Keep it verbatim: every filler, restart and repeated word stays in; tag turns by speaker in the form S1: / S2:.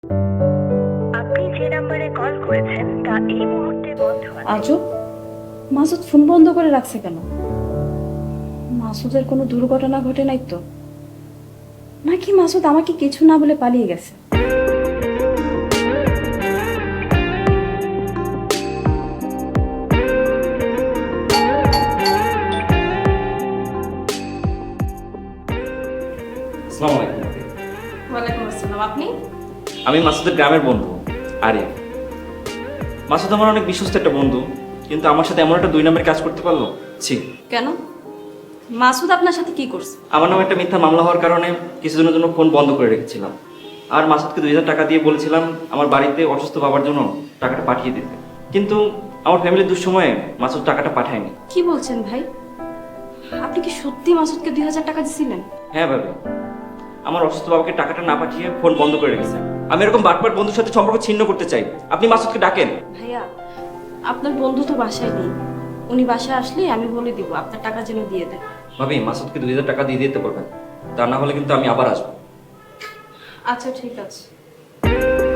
S1: আপনি যে নম্বরে কল করেছেন তা এই মুহূর্তে বন্ধ আছে।
S2: আজব, মাসুদ ফোন বন্ধ করে রাখছে কেন? মাসুদের কোনো দুর্ঘটনা ঘটে নাই তো? নাকি মাসুদ আমাকে কিছু না বলে পালিয়ে গেছে?
S3: আসসালামু আলাইকুম।
S2: ওয়ালাইকুম আসসালাম। আপনি?
S3: আমি মাসুদের গ্রামের বন্ধু আরিয়া। মাসুদ আমার অনেক বিশ্বস্ত একটা বন্ধু, কিন্তু আমার সাথে এমন একটা দুই নম্বরের কাজ করতে পারলো। ছি।
S2: কেন? মাসুদ আপনার সাথে কি করছে?
S3: আমার নামে একটা মিথ্যা মামলা হওয়ার কারণে কিছুদিনের জন্য ফোন বন্ধ করে রেখেছিলাম। আর মাসুদকে দুই হাজার টাকা দিয়ে বলেছিলাম আমার বাড়িতে অসুস্থ বাবার জন্য টাকাটা পাঠিয়ে দিতে, কিন্তু আমার ফ্যামিলির দুঃসময়ে মাসুদ টাকাটা পাঠায়নি।
S2: কি বলছেন ভাই? আপনি কি সত্যি মাসুদকে দুই হাজার টাকা দিছিলেন?
S3: হ্যাঁ ভাবি, আমার অসুস্থ বাবাকে টাকাটা না পাঠিয়ে ফোন বন্ধ করে রেখেছে। আমি এরকম বাটপার বন্ধুর সাথে সম্পর্ক ছিন্ন করতে চাই। আপনি মাসুদকে ডাকেন।
S2: ভাইয়া, আপনার বন্ধু তো বাসায় নেই। উনি বাসায় আসলে আমি বলে দিব আপনার টাকা যেন দিয়ে দেয়।
S3: ভাবি, মাসুদকে দুই হাজার টাকা দিয়ে দিতে পারবেন, তা না হলে কিন্তু আমি আবার আসবো।
S2: আচ্ছা ঠিক আছে।